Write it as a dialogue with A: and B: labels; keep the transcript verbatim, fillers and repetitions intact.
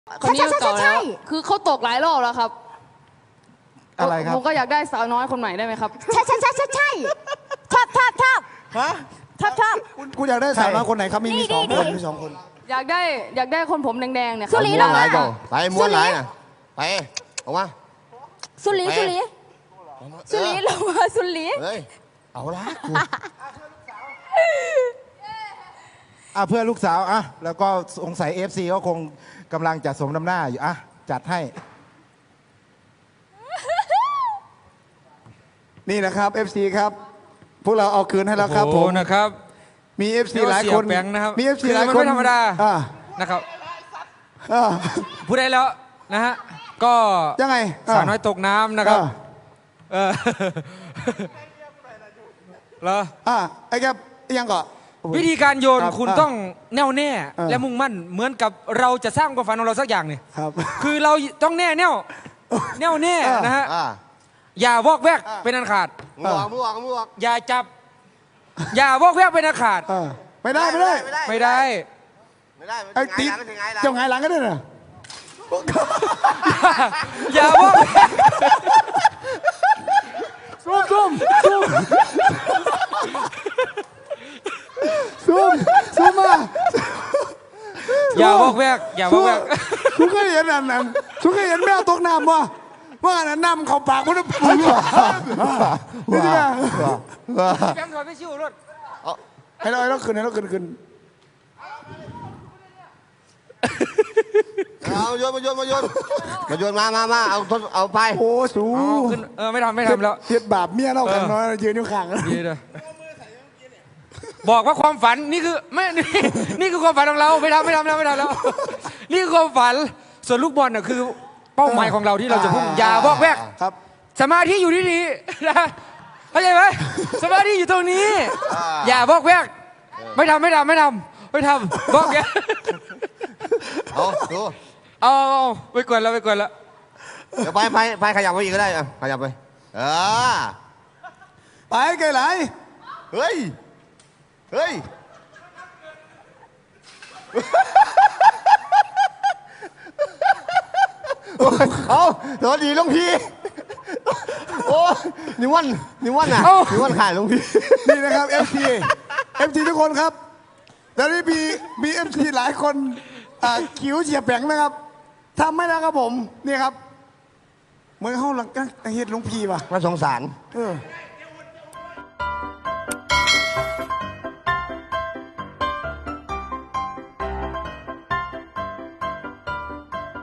A: คนนี้เก่าแล้วคือเขาตกหลายรอบแล้วครับ
B: อะไรครับ
A: ผมก็อยากได้สาวน้อยคนใหม่ได้ไหมครับ
C: ใช่ใช่ใช่ใช่ใช่ชอบชอบชอบ
B: ฮะ
C: ชอบชอบ
B: คุณอยากได้สาวน้อยคนไหนครับมีมีสองคนมีสองคน
A: อยากได้อยากได้คนผมแดงๆเนี่ย
C: สุรีลงมา
D: ไปม้วนไหนน่ะไปออกมา
C: สุรีสุรีสุรีลงมาสุรี
D: เฮ้ยเอาละ
B: อ่ะเพื่อลูกสาวอ่ะแล้วก็สงสัย เอฟ ซี ก็คงกำลังจะสมน้ำหน้าอยู่อ่ะจัดให้นี่นะครับ เอฟ ซี ครับพวกเราเอาคืนให้แล้วครับผม
E: นะครับ
B: มี เอฟ ซี หลายคน
E: นะครับ
B: มี เอฟ ซี หลายคน
E: ไม่ธรรมดา
B: อ่า
E: นะครับพูดได้แล้วนะฮะก็
B: ยังไง
E: สาวน้อยตกน้ำนะครับเออเหรอ
B: อ่าไอ้แกยังก่อ
E: วิธีการโยนคุณต้องแน่วแน่และมุ่งมั่นเหมือนกับเราจะสร้างความฝันของเราสักอย่างเนี่ยคือเราต้องแน่แน่วแน่วแน่นะฮะอย่าวอกแวกเป็นอันขาด
D: มือออกมือออกมือออก
E: อย่าจับอย่าวอกแวกเป็นอันขาด
B: ไม่ได้ไม่ได้
E: ไม่ได้
D: ไม่ได้
B: ไอ้ติ๊กเจ้าไงหลังก็ได้น่ะ
E: อย่าวอก
B: ซุ่มซุ่มซุ่มซุ่มซุ่มมา
E: อย่าวอกแวกอย่าวอกแวก
B: คุณเคยเห็นอันนั้นคุณเคยเห็นแมวตกน้ำวะว่าอันนั้นน้ำเขาปากมันจะปูนี่ใช่ไหม
E: แบงค์ถอยไปชิวรถ
B: ให้เราให้เราขึ้นให้เราขึ้นขึ้น
D: เอาโยนมาโยนมาโยนมาโยนมามามาเอาทดเอาไป
B: โอ้สู
E: ขึ้นเออไม่ทำไม่ทำแล้ว
B: เทียบบาปเมียเรากันน้อยยืนอยู่ข้าง
E: ยืนเลยบอกว่าความฝันนี่คือไม่นี่คือความฝันของเราไม่ทำไม่ทำแล้วไม่ทำแล้วนี่คือความฝันส่วนลูกบอลน่ะคือเป้าหมายของเราที่เราจะพุ่งอย่าบอกแวก
B: ครับ
E: สมาธิอยู่ที่นี่นะเข้าใจไหมสมาธิอยู่ตรงนี้อย่าบอกแวกไม่ทำไม่ทำไม่ทำไม่ทำบอกแวก
D: เอาดู
E: เอาไปกวนแล้วไปกวนแล้ว
D: เดี๋ยวไปไปไปขยับไปอีกก็ได้อ่ะขยับไปเออ
B: ไปไกลไหล
D: เฮ้ยเฮ้ยเอาสวัสดีลุงพี่โอ้นิวันนิวันอ่ะนิวันขายลุงพี่
B: นี่นะครับ เอฟ ซี เอฟ ซี ทุกคนครับแล้วนี่มีมี เอฟ ซี หลายคนคิ้วเฉียบแผงนะครับทำไม่ได้ครับผมนี่ครับเหมือนเขาหลังกันเฮ็ดลุงพี่ป่ะ
D: น่าสงสาร
B: เออ